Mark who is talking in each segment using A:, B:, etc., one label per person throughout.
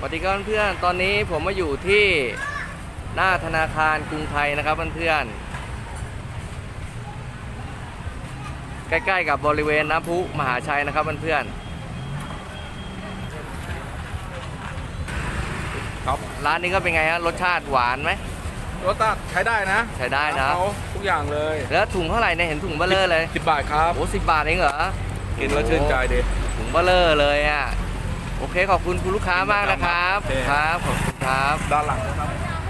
A: วัสดีครับเพื่อนๆตอนนี้ผมมาอยู่ที่หน้าธนาคารกรุงไทยนะครับเพื่อนๆใกล้ๆกับบริเวณน้ำพุมหาชัยนะครับเพื่อนๆครับร้านนี้ก็เป็นไงฮะรสชาติหวานไหม
B: รสชาติใช้ได้นะ
A: ใช้ได้นะ
B: เขาทุกอย่างเลย
A: แล้วถุงเท่าไหร่เนี่ยเห็นถุงเบลเลอร์เลย
B: 10 บาทครับ
A: โอ้10 บาทเองเหรอ
B: กินแล้วชื่นใจดี
A: ถุงเบลเลอร์เลยอ่ะโอเคขอบคุณคุณลูกค้ามากนะครับครับขอบคุณครับ
B: ด้านหลังนะครับ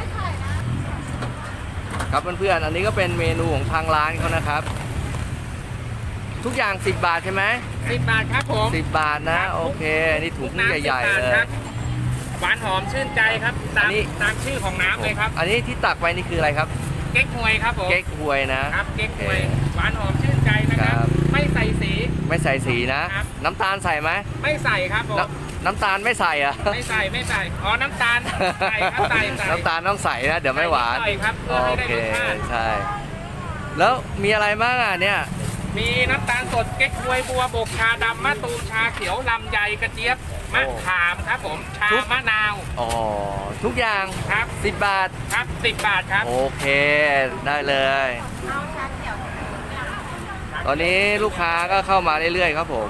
A: ครับเพื่อนๆอันนี้ก็เป็นเมนูของทางร้านเขานะครับทุกอย่าง10 บาทใช่ไหม
C: 10 บาทครับผม
A: 10 บาทนะโอเคนี่ถุงใหญ่ๆเลย
C: หวานหอมชื่นใจครับตามชื่อของน้ำเลยครับ
A: อันนี้ที่ตักไว้นี่คืออะไรครับ
C: เก๊กฮวยครับผม
A: เก๊กฮวยนะครับ
C: เก๊กฮวยหวานหอมชื่นใจนะครับไม่ใส่สี
A: ไม่ใส่สีนะน้ำตาลใส่ไหม
C: ไม่ใส่ครับผม
A: น้ำตาลไม่ใส่อะ
C: ไม่ใส่อ๋อน้ำตาลใส่ครับใส่
A: น้ำตาลต้องใส่นะเดี๋ยวไม่หวาน
C: ใส่ครับเพื่อให้ได้รสชาติ
A: ใช่แล้วมีอะไรบ้างอ่ะเนี่ย
C: มีน้ำตาลสดเก๊กฮวยบัวบกชาดำมะตูมชาเขียวลำไยกระเจี๊ยบมะขามครับผมชามะนาว
A: อ๋อทุกอย่าง
C: ครับ
A: 10 บาท
C: ครับ10 บาทครับ
A: โอเคได้เลยตอนนี้ลูกค้าก็เข้ามาเรื่อยๆครับผม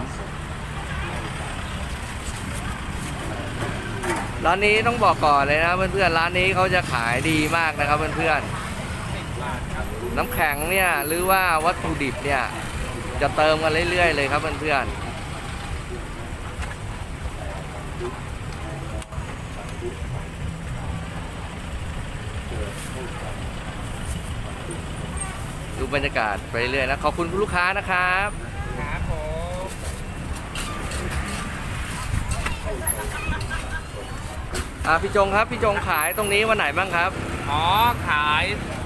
A: ร้านนี้ต้องบอกก่อนเลยนะเพื่อนๆร้านนี้เขาจะขายดีมากนะครับเพื่อนๆน้ำแข็งเนี่ยหรือว่าวัตถุดิบเนี่ยจะเติมกันเรื่อยๆเลยครับเพื่อนๆดูบรรยากาศไปเรื่อยนะขอบคุณคุณลูกค้านะครับ
C: ครับผม
A: พี่จงครับพี่จงขายตรงนี้วันไหนบ้างครับ
C: อ๋อขาย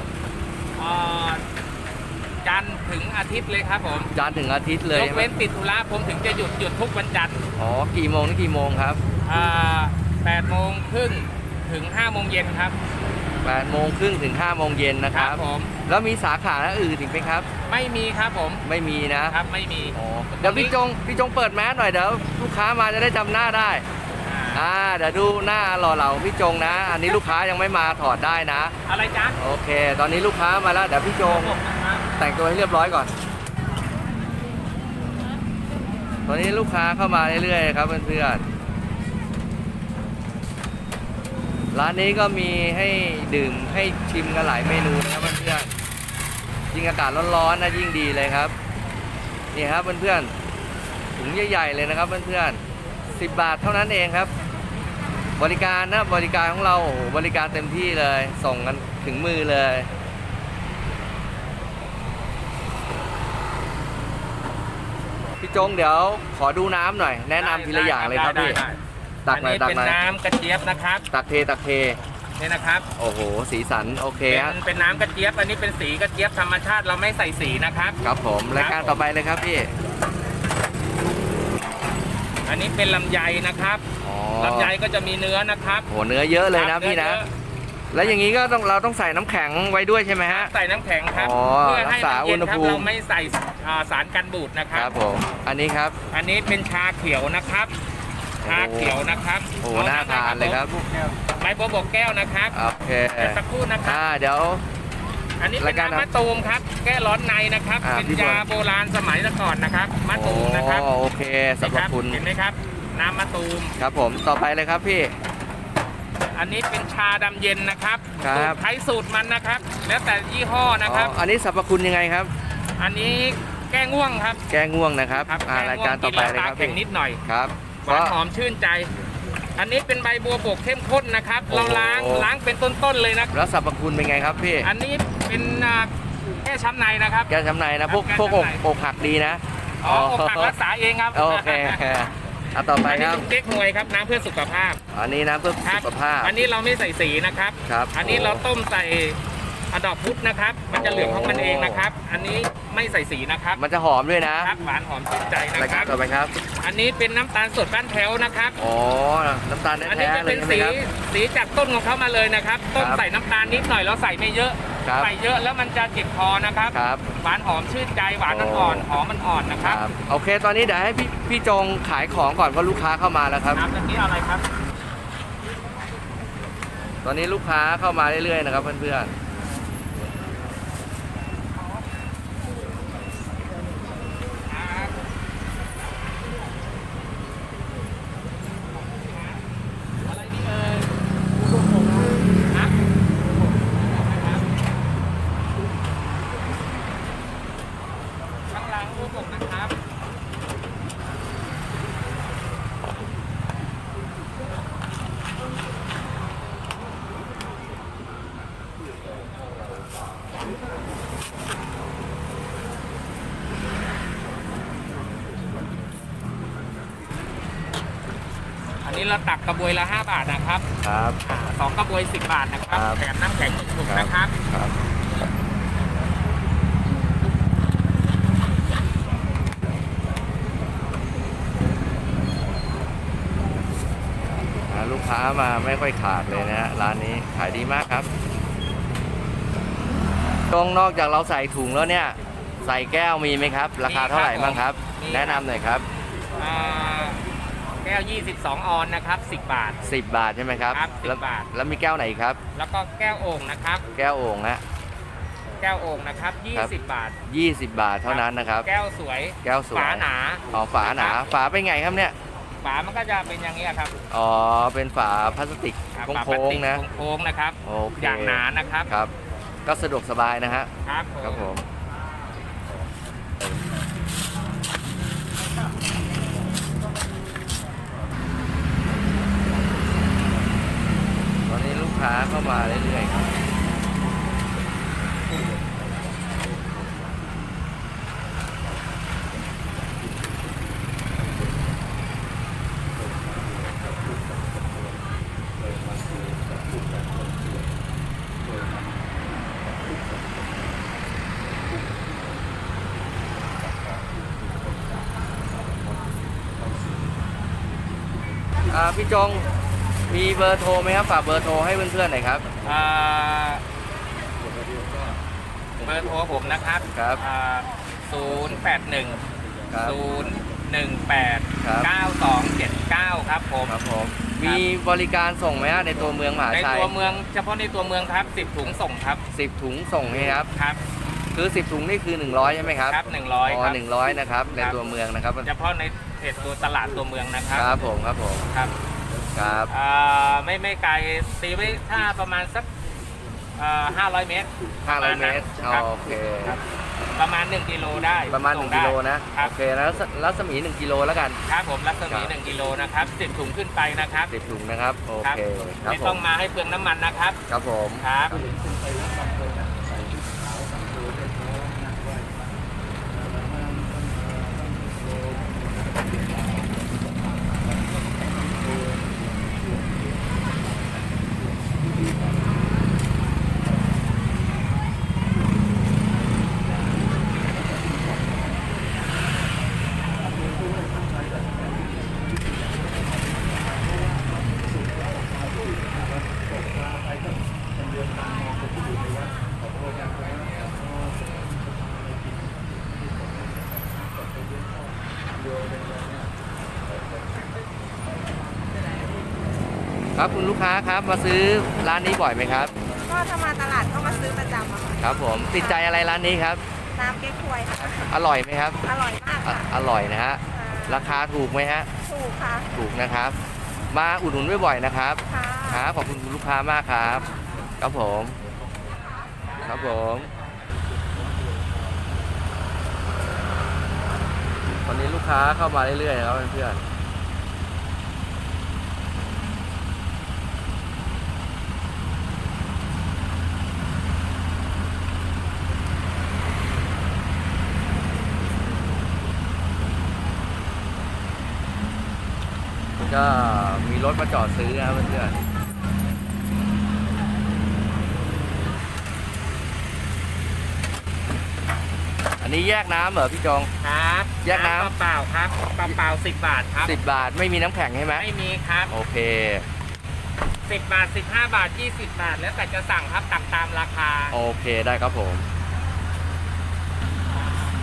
C: จันทร์ถึงอาทิตย์เลยครับผม
A: จันทร์ถึงอาทิตย์เลย
C: ยกเว้นติดธุระผมถึงจะหยุดทุกวันจันทร์
A: อ๋อกี่โมงถึงกี่โมงครับ
C: 8 โมงครึ่งถึง5 โมงเย็นครับ
A: 8 โมงครึ่งถึง5 โมงเย็นนะครับ
C: ผม
A: แล้วมีสาขาอื่นอีกไหมครับ
C: ไม่มีครับผม
A: ไม่มีนะครับ
C: ไม่มี
A: เดี๋ยวพี่จงเปิดแมสหน่อยเดี๋ยวลูกค้ามาจะได้จำหน้าได้เดี๋ยวดูหน้าหล่อเหลาพี่จงนะอันนี้ลูกค้ายังไม่มาถอดได้นะ
C: อะไรจ๊ะ
A: โอเคตอนนี้ลูกค้ามาแล้วเดี๋ยวพี่จงแต่งตัวให้เรียบร้อยก่อนตอนนี้ลูกค้าเข้ามาเรื่อยๆครับเพื่อนๆร้านนี้ก็มีให้ดื่มให้ชิมกันหลายเมนูนะครับเพื่อนๆยิ่งอากาศร้อนๆนะยิ่งดีเลยครับนี่ครับเพื่อนๆถุงใหญ่ๆเลยนะครับเพื่อนๆ10 บาทเท่านั้นเองครับบริการนะบริการของเราบริการเต็มที่เลยส่งกันถึงมือเลยพี่จงเดี๋ยวขอดูน้ำหน่อยแนะนำทีละอย่างเลยครับพี่ตักหน่อย
C: เป็นน้ำกระเจี๊ยบนะครับ
A: ตักเท
C: นี่นะครับ
A: โอ้โหสีสันโอเคครับ
C: เป็นน้ำกระเจี๊ยบอันนี้เป็นสีกระเจี๊ยบธรรมชาติเราไม่ใส่สีนะครับ
A: ครับผมรายการต่อไปเลยครับพี่
C: อันนี้เป็นลำไยนะครับลำไยก็จะมีเนื้อนะครับ
A: โอ้เนื้อเยอะเลยนะพี่นะแล้วอย่างนี้ก็เราต้องใส่น้ำแข็งไว้ด้วยใช่ไหมฮะ
C: ใส่น้ำแข็งครับ
A: เพื่อให้มันเย็นครับ
C: เราไม่ใส่สารกันบูดนะครับ
A: ครับผมอันนี้ครับ
C: อันนี้เป็นชาเขียวนะครับชาเขียวนะครับ
A: โอ้น่าทานเลยครับ
C: ใบบัวบกแก้วนะครับ
A: โอเค
C: สักครู่นะครับ
A: เดี๋ยว
C: อันนี้เป็นน้ำมะตูมครับแก้ร้อนในนะครับเป็นยาโบราณสมัยก่อนนะครับมะตูมนะครับ
A: โอเคสรรพคุณ
C: เห็นไหมครับน้ำมะตูม
A: ครับผมต่อไปเลยครับพี่
C: อันนี้เป็นชาดำเย็นนะครับใช้สูตรมันนะครับแล้วแต่ยี่ห้อนะครับ
A: อันนี้สรรพคุณยังไงครับ
C: อันนี้แก้ง่วงครับ
A: แก้ง่วงนะครับรายการต่อไปเลยครับ
C: แข็งนิดหน่อย
A: ครับ
C: หวานหอมชื่นใจอันนี้เป็นใบบัวบกเข้มข้นนะครับเราล้างเป็นต้นๆเลยนะ
A: แล้วสรรพคุณเป็นไงครับพี่
C: อันนี้เป็นแก้ช้ำในนะครับ
A: แก้ช้ำในนะพวกอกหักดีนะ
C: อกหักรักษาเองครับ
A: โอเคต่อไปครับ
C: เก๊กฮวยครับน้ำเพื่อสุขภาพ
A: อันนี้น้ำเพื่อสุขภาพ
C: อันนี้เราไม่ใส่สีนะครับอันนี้เราต้มใส่ดอกพุธนะครับมันจะเหลืองของมันเองนะครับอันนี้ไม่ใส่สีนะครับ
A: มันจะหอมด้วยนะครับ
C: หวานหอมชื่นใจนะครับ
A: ต่อไปครับ
C: อันนี้เป็นน้ำตาลสดบ้านแถวนะครับ
A: น้ำตาลแท้ๆเลย
C: อันนี้จะเป็นสีจากต้นของเขามาเลยนะครับต้มใส่น้ำตาลนิดหน่อยแล้วใส่ไม่เยอะใส่เยอะแล้วมันจะเจ็บคอนะครับหวานหอมชื่นใจหวานอ่อนหอมมันอ่อนนะครับ
A: โอเคตอนนี้เดี๋ยวให้พี่จงขายของก่อนเพราะลูกค้าเข้ามาแล้วครับ
C: น้ำนี้อะไรครับ
A: ตอนนี้ลูกค้าเข้ามาเรื่อยๆนะครับเพื่อนๆ
C: อะไรดีเอ่ยครับข้างหลังรูปผมนะครับ อันนี้เราตักกระบวยละ5 บาทนะครับ
A: ครับ
C: 2 กระบวย 10 บาทนะครับ
A: ครับ
C: แถมน้ำแข็ง1 ถุงนะครับ
A: ครับลูกค้ามาไม่ค่อยขาดเลยนะฮะร้านนี้ขายดีมากครับตรงนอกจากเราใส่ถุงแล้วเนี่ย ใส่แก้วมีไหมครับ ราคาเท่าไหร่บ้างครับ แนะนำหน่อยครับ
C: แก้ว 22 ออนนะครับ 10 บาท
A: 10 บาทใช่ไหมครับ
C: ครับ10
A: แล้ว
C: บาท
A: แล้วมีแก้วไหนครับ
C: แล้วก็แก้วโอ่งนะครับ
A: แก้วโอ่งฮะ
C: แก้วโอ่งนะครับ
A: ครับ
C: 20 บาท
A: 20 บาทเท่านั้นนะครับ
C: แก้วสวย
A: แก้วสวย
C: ฝาหนา
A: อ๋อฝาหนา ฝาเป็นไงครับเนี่ย
C: ฝามันก็จะเป็นอย่างนี้ยครับ
A: อ๋อเป็นฝาพลาสติก
C: ฝาพ
A: โค้
C: ลาส
A: ง
C: ติก
A: ๆนะ
C: โค้งๆนะครับ
A: โอเค
C: อย่างหนานะครับ
A: ครับ ก็สะดวกสบายนะฮะ
C: ครับ
A: ครับผม ตอนนี้ลูกค้าเข้ามาเรื่อยๆครับพี่จงมีเบอร์โทรไหมครับฝากเบอร์โทรให้เพื่อนๆหน่อยครับ
C: เบอร์โทรผมนะครับ
A: ครับ
C: 081
A: ครับ
C: 018
A: ครับ
C: 9279 ครับผม
A: ครับผมมีบริการส่งไหมฮะในตัวเมืองมหา
C: ใน
A: ชัย
C: ตัวเมืองเฉพาะในตัวเมืองครับ 10 ถุงส่งครับ
A: 10 ถุงส่งไหมครับ
C: ครับ
A: คือ10 ถุงนี่คือ100ใช่ไหมครับ
C: ครับ100
A: อ๋
C: ค
A: อ
C: รับ
A: 100นะครับในตัวเมืองนะครับ
C: เฉพาะในเขตตัวตลาดตัวเมืองนะครับ
A: ครับผมครับผม
C: ครับ
A: ครับ
C: ไม่ไกลตีไว้ถ้าประมาณสัก500 เมตร
A: 500 เมตร
C: ครับ
A: โอเค
C: ครับประมาณ 1 กิโลได้
A: ประมาณ
C: ส่ง
A: 1
C: ได้
A: กิโลนะ
C: ครั
A: โอบ เคแล้วรัศมี 1 กิโลแล้วกัน
C: ครับผมรัศมี
A: ครับ
C: 1 กิโลนะครับ 10 ถุงขึ้นไปนะครับ
A: 10 ถุงนะครับโอ
C: ครับ
A: เคครับ
C: ไม่
A: ผ
C: ต้อ
A: ม
C: งมาให้เปลืองน้ำมันนะครับ
A: ครับผม
C: ครับ
A: ครับคุณลูกค้าครับมาซื้อร้านนี้บ่อยไหมครับ
D: ก็ถ้ามาตลาดก็มาซื้อประจำอะค่ะ
A: ครับผมติดใจอะไรร้านนี้ครับ
D: น้ำเก๊กฮวยค่ะ
A: อร่อยไหมครับ
D: อร่อยมากค่ะ
A: อร่อยนะฮะราคาถูกไหมฮะ
D: ถูกค่ะ
A: ถูกนะครับ มาอุดหนุนบ่อยๆนะครับ
D: ค่ะ
A: ครับขอบคุณคุณลูกค้ามากครับ ครับผม ครับผมตอนนี้ลูกค้าเข้ามาเรื่อยๆนะครับเพื่อนๆก็มีรถมาจอดซื้อนะครับเพื่อนๆอันนี้แยกน้ำเหรอพี่จง
C: ครับ
A: แยกน้ำ
C: เปล่าๆครับเปล่าๆ10 บาทครับ
A: 10 บาทไม่มีน้ำแข็งใช่ไหม
C: ไม่มีครับ
A: โอเค
C: 10 บาท 15 บาท 20 บาท แล้วแต่จะสั่งครับตักตามราคา
A: โอเคได้ครับผม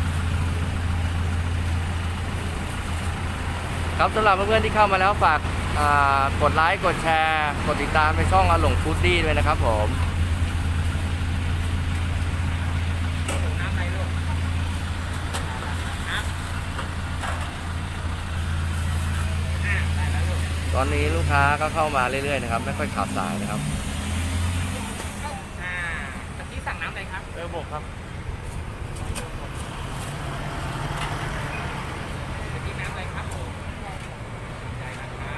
A: ครับสำหรับเพื่อนๆที่เข้ามาแล้วฝากกดไลค์กดแชร์กดติดตามในช่องอาหลงฟูดดี้ด้วยนะครับผม
C: น้ำอะไรลูกน้ำได้แล้วลูก
A: ตอนนี้ลูกค้าก็เข้ามาเรื่อยๆนะครับไม่ค่อยขาดสายนะครับ
C: ตะกี้สั่งน้ำอะไรครับ
B: บกครับ
C: ตะกี้น้ำอะไรครับผมได้นะครับ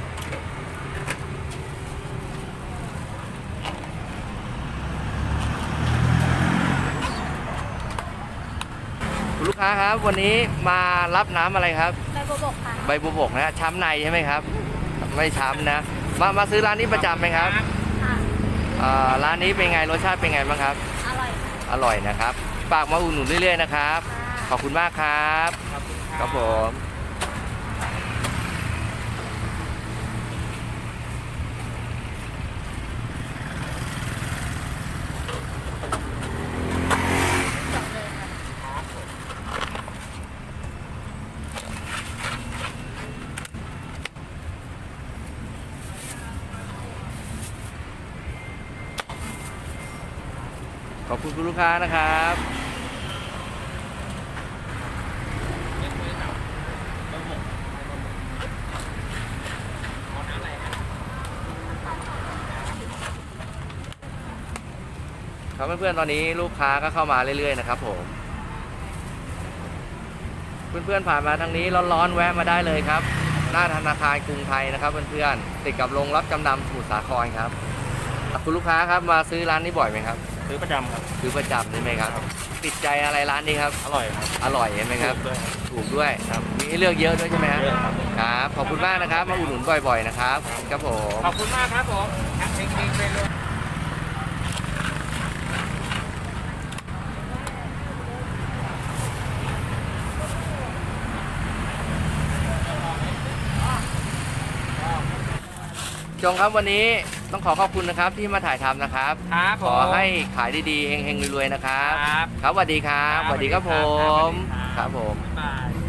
A: คุณลูกค้าครับวันนี้มารับน้ำอะไรครับ
D: ใบบัวบกค่ะ
A: ใบบัวบกนะช้ำในใช่ไหมครับ ไม่ช้ำนะมาซื้อร้านนี้ประจำไหมครับ
D: ค่ะ
A: ร้านนี้เป็นไงรสชาติเป็นไงบ้างครับ
D: อร่อยค่ะ
A: อร่อยนะครับฝากมาอุดหนุนเรื่อยๆนะครับ ขอบคุณมากครับ
C: ขอบคุณ
A: ครับผม ขอบคุณคุณลูกค้านะครับ
C: เอาน้ำอะไรครับ
A: ครับเพื่อนๆตอนนี้ลูกค้าก็เข้ามาเรื่อยๆนะครับผมเพื่อนๆผ่านมาทางนี้ร้อนๆแวะมาได้เลยครับ หน้าธนาคารกรุงไทยนะครับเพื่อนๆติดกับโรงรับจำนำสมุทรสาครครับคุณลูกค้าครับมาซื้อร้านนี้บ่อยไหมครับ
B: ซื้อประจำครับ
A: ซื้อประจำใช่ไหมครับติดใจอะไรร้านนี้ครับ
B: อร่อยครับ
A: อร่อยใช่ไหมครับ
B: ด้วย
A: ถูกด้วยครับมีให้เลือกเยอะด้วยใช่ไหมครับ
B: เยอะครับ
A: ครับขอบคุณมากนะครับมาอุดหนุนบ่อยๆนะครับครับผม
C: ขอบคุณมากครับผมเฮงๆไปเลย
A: จงครับวันนี้ต้องขอบคุณนะครับที่มาถ่ายทำนะครับ
C: ครับผ
A: ขอ
C: ม
A: ให้ขายดีๆเฮงๆรวยๆนะครับ
C: ครับ
A: ครับสวัสดีครับสวัสดีครับผม
C: สวัสดี
A: ครับผม
C: บ๊ายบาย